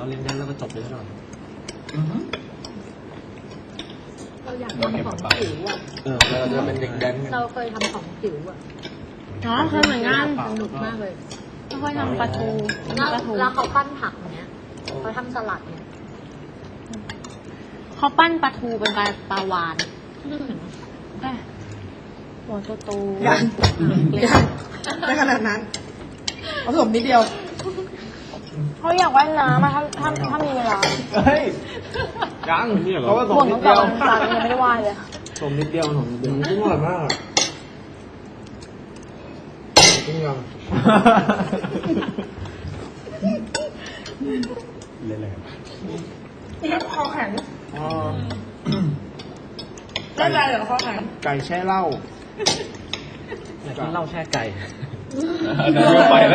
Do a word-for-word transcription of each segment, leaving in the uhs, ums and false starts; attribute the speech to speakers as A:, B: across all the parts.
A: เราเล่นได้แล้วก็จบเลยหน่อย
B: เราอยากทำของจิ๋วอ่ะ
A: เออเราจะเป็นเด็กแดน
B: เราเคยทำของจิ๋วอ่ะ
C: อ๋อเคยเหมือนกัน
B: สนุกมากเลย
C: ไม่ค่อยทำปลาทูปลาทู
B: แล้วเขาปั้นผักเนี้ยเขาทำสลัดเนี้ย
C: เขาปั้นปลาทูเป็นปลาปลาวานหัวโตโต
D: ยังยังไม่ขนาดนั้นผสมนิดเดียว
C: เขาอยากว่ายน้ำมาถ้าถ้าถ้ามีเวลา
A: เฮ้ยยังเขาก็ส่ง
C: บ่น
A: นิ
C: ตั้
A: ด
C: งแต่
A: เดียว
C: วันจันทร์ยังไม่ได้ว่ายเลย
A: ส่งนิดเดียวส่งนิดเดียวอร่อยมากจริงยังเล่นอะไรกัน
D: คอแข็ง
A: อ๋อ
D: ได้ใจเหรอคอแข็ง
A: ไก่แช่เหล้าอยากกินเหล้าแช่ไก่
E: เดินไปแล้ว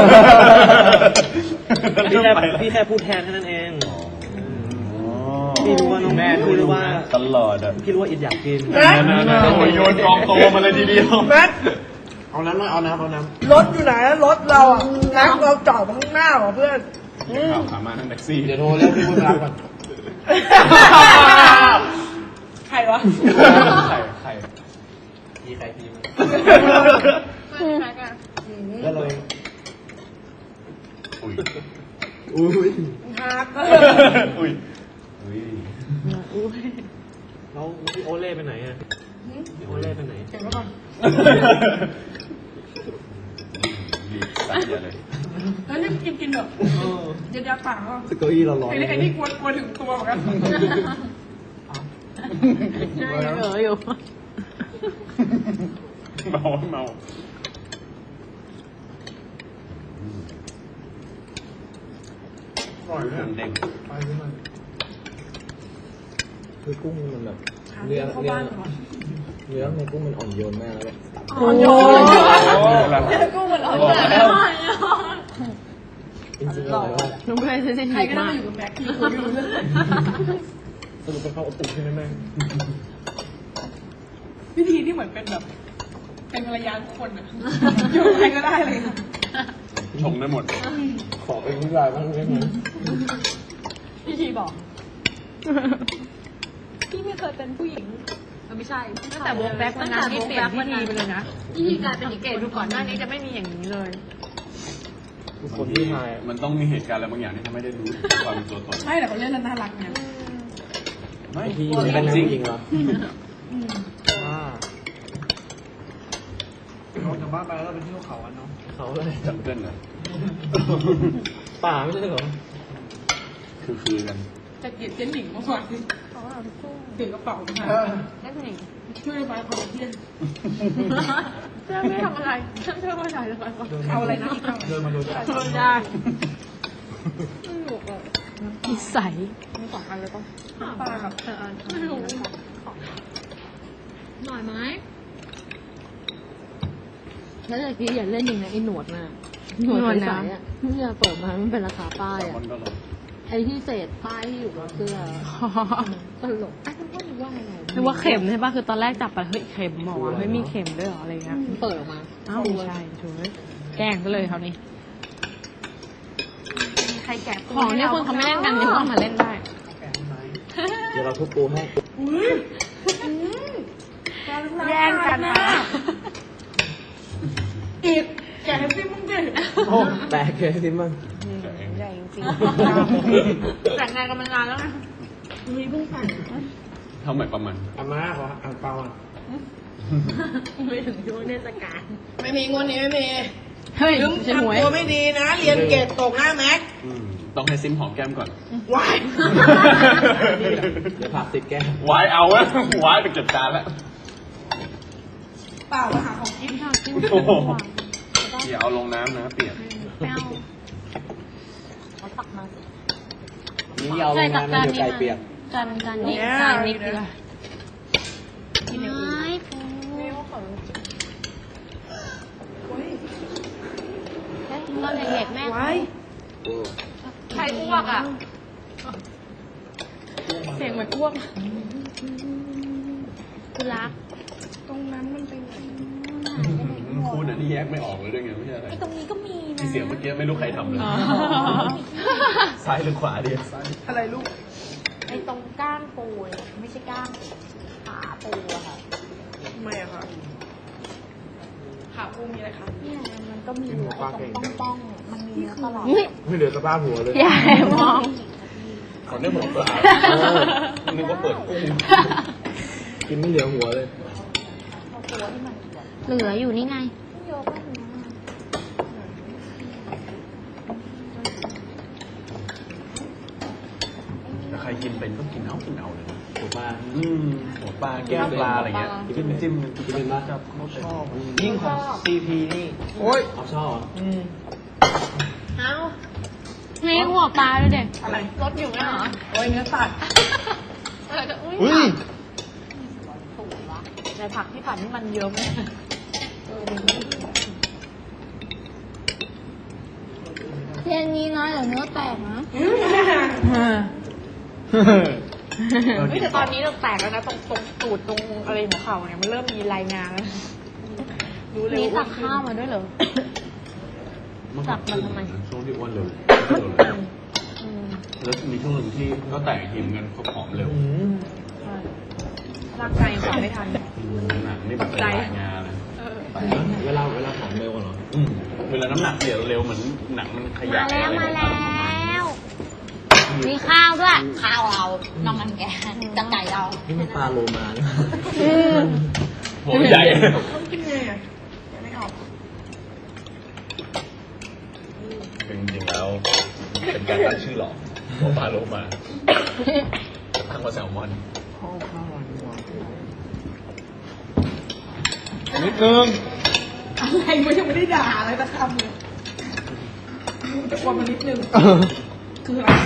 A: พี่แค่พี่แค่พูดแทนแค่นั้นเองพี่รู้ว่าน้องแม่พี่รู้ว่า
E: ตลอดอ่ะ
A: พี่รู้ว่าอิดอยากกิน
E: โยนกองโตมาเลยทีเดียว
D: แม็ก
A: เอาน้ำมาเอาน้ำเอาน้ำ
D: รถอยู่ไหนรถเราอ่ะแม็กเราจอดข้างหน้าเหรอเพื่อน
E: ข่าวขามานั่งแท็กซี่
A: เดี๋ยวโทรเรียกพี่บุญรักก่อน
D: ใครวะ
E: ไข่ไข่
A: พี่ใครพี่มัน
D: อืม
A: แล้วเลย
E: อุ้ย
A: อุ้ย
D: ฮาร์ด
E: อุ้ยอุ้ย
A: แล้วพี่โอเล่ไปไหนอ่ะพี่โอเล่ไปไหน
D: เก่งมากก่อน
E: ดีตั้งเยอะเลย
D: แล้วนี่กินกินแบบเดี๋ยวๆปากอ่ะ
A: สเก้าอี้เราร้อน
D: ไอ้นี่ไอ้นี่กลัวกลัวถึงตัวเหมือนกัน
C: เอออยู่
E: เมาเมา
A: อร่อยเลย
E: เด้ง
A: ไปด้วยมันคือกุ้งมันแบบ
D: เนื้
A: เนื้
D: อ
A: อ
D: เข้า
A: เนื้อ
D: บ้านเหรอ
A: เนื้อในกุ้งมันอ่อนโยนมากแล้วแบบ
D: อ่อนโยน
E: กุ้งมันอ่อน
A: จริงๆอร่อยมาก
C: น้องเคยซื้อเส้น
D: ใคร
C: หิ
D: ก็ได้
C: มาก
D: มาอยู่กับแม็กที่คุยไม่รู้เรื่อง
A: สรุปเป็นข้าวอบอุ่นใช่ไหมแม่
D: วิธีที่เหมือนเป็นแบบ เป็นภรรยาทุกคนอ่ะอยู่กับใครก็ได้เลยค่ะ
E: ชงได้หมด
A: ขอเป็นผู้ชายบ้างได้ไหม
B: พี่ชีบอกพี่ไม่เคยเป็นผู้หญิงเออไม่ใช่
C: ตั้งแต่วงแบ็ควันนั้นที่เปลี่ยนพิธีไปเลยนะ
B: พี่ชีกลายเป็นอีกเก
C: เก
B: ต
C: ดดูก่อนหน้านี้จะไม่มีอย่างนี้เลย
A: ทุกคนที่ทาย
E: มันต้องมีเหตุการณ์อะไรบางอย่างที่ทำให้ได้รู้ความเป็นตัวตน
D: ไม่แต่เขาเล่นแล้วน่ารักไง
E: ไม่
A: ที่มันเป็นจริงเหรอ
D: อืม
A: อ่าเราจากบ้านไปแล้วเราไปเที่ยวเขากันเนาะเขาอะไร
E: จับเต้นเลย
A: ป่าไม่ใช่เหรอ
E: คือคือกัน
D: จะเกลียดเจ๊หนิงมากกว่าที่ถือกระเป๋ามา
C: นั่นเอง
D: ช่วยไปคอนเทนต์
C: เพื่อนไม่ทำอะไรฉันเพื่อนไม่ถ่ายเลยก่อน
D: เอาอะไรนะอีกเอา
A: เดินมาดูจ้ะ
C: ทนได้นิสัยไม่สองอันเลยป่ะ
D: ปลากับ
C: เออ
B: ไม่รู้หน่อยไหมแล้วตะกี้อย่าเล่นอย่างนั้นไอ้หนวดน่ะหนวดใสๆอ่ะที่จะเปิดมามันเป็นราคาป้ายอ่ะ
E: มันก็ลง
B: ไอ้ที่เศษป้ายที่อยู่บนเสื้อตลกไอ้คุณพ่อรู้ว่าอะไร
C: นึกว่าเข็มใช่ป่ะคือตอนแรกจับไปเฮ้ยเข็มหมอเฮ้ยมีเข็มด้วยเหรออะไรเงี้ย
B: มันเปิดออกมา
C: อ้าวไม่ใช่ช่วยแกล้งไปเลยคราวนี้
B: ใครแกะ
C: ของเนี่ยคนเขาไม่เล่นกันยังว่ามาเล่นได้
A: เดี๋ยวเราทุบปูให้
C: แย่งกันนะ
D: อีกแกให้พี่มึงดิ
A: โอ้แตกเลยสิมั้ง
C: ใหญ่จริง
B: แต่งงานกันมานานแล้วนะ
D: มีเพิ่งใส่
E: เท่าไหร่ประมาณ
A: อาม่าขออ่างเปาอ่ะ
B: ไม่ถึงช่วงเทศกาล
D: ไม่มีงวดนี้ไม่มี
C: เฮ้ย
D: ลืม
C: จะหวย
D: ทำตัวไม่ดีนะ เรียนเกรดตกหน้าแม็ก
E: อืมต้องให้ซิมหอมแก้มก่อน
D: วาย
A: เดี๋ยวผักติดแก้ม
E: วายเอาแล้ววายไปเก็บจานแล้ว
D: เปล่ามาหาของกิน
C: ข้าวจิ้ม
E: โอ้โหอย่าเอาลงน้ำนะเปียก
C: แป้ว
B: เขาตักมา
A: นี่เอาลงน้ำนะเดี๋ยวไก่เปียก
C: จานจานนี้จานนี้คือกินอย่างอื่น
D: นี่ว่าเขา
C: ตอนเด็กๆแม่
D: วาย
B: ใครอ้วกอ่ะ
C: เสียงเหมือนอ้วกคือรัก
D: ตรงนั้นมันเป็นไง
E: คุณอันนี้แยกไม่ออกเลยด้วยไงไม่ใช่อะไร
C: ไอ้ตรงนี้ก็มีนะ
E: ที่เสียงเมื่อกี้ไม่รู้ใครทำเลยซ้ายหรือขวาดีซ้าย
D: อะไรลูก
C: ไอ้ตรงก้างปูเนี่ยไม่ใช่ก้างขาปูอะค่ะ
D: ทำไมอะคะขาปูมีอะไรคะ
C: เนี่ยมันก็มีไอ้ตรงป้องๆมันมีเนื้อตลอด
E: ไม่เหลือสภาพหัวเลย
B: อย่าให้มอง
E: เขาได้หมดก็อาบนึกว่าเปิดกุ้งกินไม่เหลือหัวเลย
C: เอาตัวที่มันแบบ
B: เหลืออยู่นี่ไง
C: ไม่เยอะมากนะ
E: แต่ใครกินเป็นก็กินเอากินเอาเลยหัวปลาอืมหัวปลาแก้มปลาอะไรเงี้ยจิ้มจิ้มกินมากครับเขาชอบยิ่งของซีพีนี่โอ้ยเอาชอบอืม
C: เอา
B: นี่หัวปลาเลยเด็ก
D: อะไร
C: รถอยู่ไหมเหรอ
D: โอ้ยเนื้อสัตว์
C: อะไรจะอุ้ย
E: เฮ้ย
C: ถูกวะในผักที่ผัดนี่มันเยอะไหมเออมันไม่
B: เทนนี้นะเดี๋ยวเนื้อแตกนะ
D: อืม
C: เฮ้ยแต่ตอนนี้เราแตกแล้วนะตรงตรงตูดตรงอะไรหัวเข่าเนี่ยมันเริ่มมีรายงานแล้วรู้เลย
B: นี่ตั
C: ว่าก
B: ข้าวมาด้วยเหรอ จับมันทำไม
E: ช่วงที่อ้วนเร็ว
C: อืม
E: แล้วมีช่วงหนึ่งที่ก็แตกทีมกันผอมเร็ว
C: ใช่ร่างกายยังปรับไม่ทัน
E: หนักนี่แบบเป็นรายงานเลย
C: เออ
A: เวลาเวลาผอมเร็วเหรอ
E: อืมเวลาน้ำหนักเปลี่ยนเร็วเหมือนหนังมันขยั
B: มา
E: บ
B: แล้วมาแล้ว มีข้าวด้วย
C: ข้าวเราน้องมันแกจะไก่เรา
A: นี่มันปลาโลมาเนี่ย
E: หัวใหญ่
D: ต้องกินไงอะยังไม่ออก
E: จริงๆแล้วเป็นการตั้งชื่อหรอกหัวปลาโลมาตั้งว่าแซลมอน
A: นิดนึง
D: อะไรมันยังไม่ได้ด่าอะไรสักคำเลยตะโกนมานิดนึงคืออะไร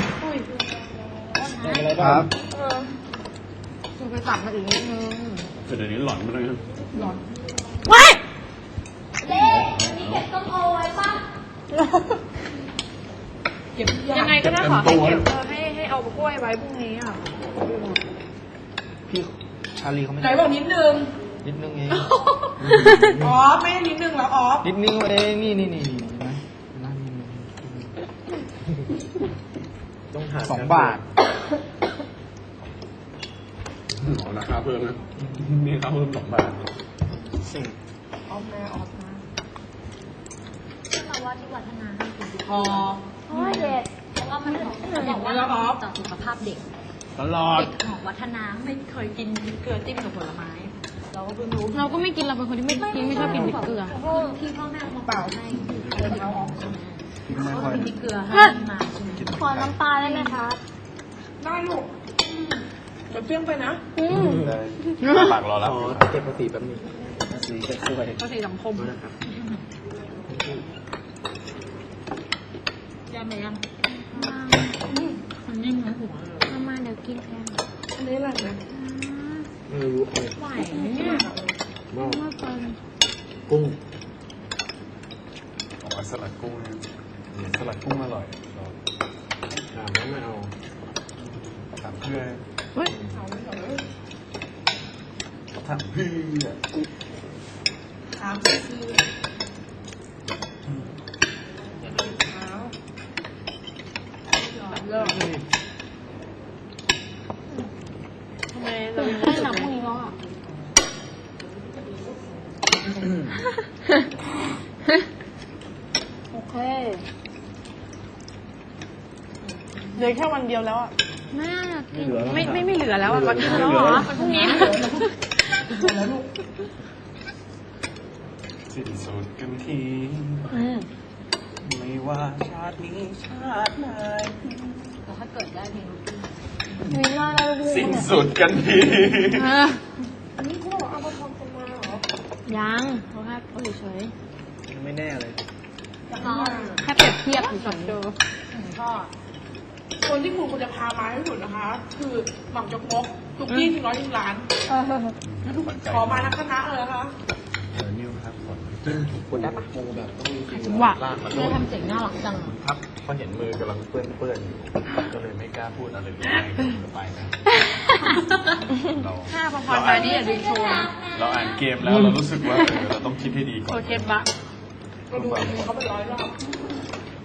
A: ครับ
C: คือไปตัดมาอีกนิดนึง
E: แต่เดี๋ยวนี้หลอนไปเลย
D: ร้อน
C: ว้าย
D: เก็บทุกอ
C: ยั
D: ย่าง
C: งไงก็ได้ขอให้เก็บเออให้ให้เอากล้วยไว้พรุ่งนี้อ่ะ
A: พี่ชาลีเขาไม่
D: ไหนบอกนิดนึง
A: นิดนึงเอง
D: อ๋อไม่ได้นิดนึงแล้วอ๋อ
A: นิดนึงเองนี่นี่นี่นี่นะนั่นต้องหาสองบาท
E: เอาราคาเพิ่มนะนี่ราคาเพิ่มสองบาท
A: สิ่ง
D: ออกมาออกมา
C: เราว่าที่วัฒนาให้กิน
D: พอ
C: โอ้ยเด็กเพราะว่ามันเขาบอกว่าต่อสุขภาพเด็ก
E: ตลอด
C: เด็กของวัฒนาไม่เคยกินพริกเกลือจิ้มกับผลไม้ เราก็เพิ่งรู้
B: เราก็ไม่กินเราเป็นคนที่ไม่กินไม่ชอบกินพริกเกลือ
C: เพราะที่พ่อแม่เอามาเป่าให้เดินเอาออกใช่ไหม
A: ที่ไม่
C: เขา
A: ค่อย
C: กินพริกเกลือให้มาใช่ไหม
B: ขอน้ำปลาได้ไหมคะ
D: ได้ลูกเดี๋ยวเปรี้ยงไปนะ
B: อืม
E: ปากรอแล้ว
A: ขอเก็บภาษีแป๊บนึงภาษีจะช่วย
C: เขาใส่สังคม
A: นะครับ
C: ยังไหมยัง
B: มันยิ่งนะหัวมามาเดี๋ยวกินแทน
D: อันนี้อะไรนะ
A: ไม่รู้เอา
C: ไหวไหมเนี่ย
A: หม้อ
B: มาเปิด
A: กุ้ง
E: บอกว่าสลัดกุ้งเนี่ยสลัดกุ้งอร่อย
A: ถามว่าไม่เอา
E: ถามเพื่อน
B: เฮ้ย
D: เอาไม่เอาเลย
E: ถามเพื่อน
D: ถามซื้อเดี๋ยวดูเท้าเลิก
C: ทำไมเรายัง
B: ได้หนังพวกนี้แล้วอ่ะ
C: โอเค
D: เหลือแค่วันเดียวแล้วอ่ะ
B: แม่อยากกิน
C: ไม่ไม่ไม่เหลือแล้วอ่ะวันนี้แล้วเหรอวันพรุ่งนี้
D: แล้วลูก
E: สิ้นสุดกันที
C: อืม
E: ไม่ว่าชาตินี้ชาติไหน
C: แล้วถ้าเกิดได้เพลง
B: มีหน้าได้ด้วย
E: สิ้นสุดกันที
B: เออ
D: อันนี้เขาบอกเอามาทำกันมาเหรอ
B: ยังเขาแค่เอาเฉย
A: ไม่แน่เลย
B: ๆแค่เปรียบเทียบเฉย
C: เจอพ่อ
D: คนที่คุณควรจะพามาให้สุดนะคะ คือหม่ำจกมกทุกที่ถึงร้อยถึงล้าน ขอมาทั้งคณะเลยนะคะ
E: เออนิวครับผล
A: คนได้ปะโมแบบต้องมีจริง
B: ๆว่ะ
E: ลากมัน
B: เธอทำเสียงน่ารักจัง
E: ครับเพราะเห็นมือกำลังเปื้อนเปื้อนๆอยู่ก็เลยไม่กล้าพูดอะไรเลยก็ไปนะเรา
C: ห้าพอๆมานี่อย่าลืมโชว์นะ
E: เราอ่านเกมแล้วเรารู้สึกว่าเออเราต้องคิดให้ดีก่
C: โช
E: อน
C: ว์เคสบะ
D: ก็ดูเขาเป็นร้อยรอบ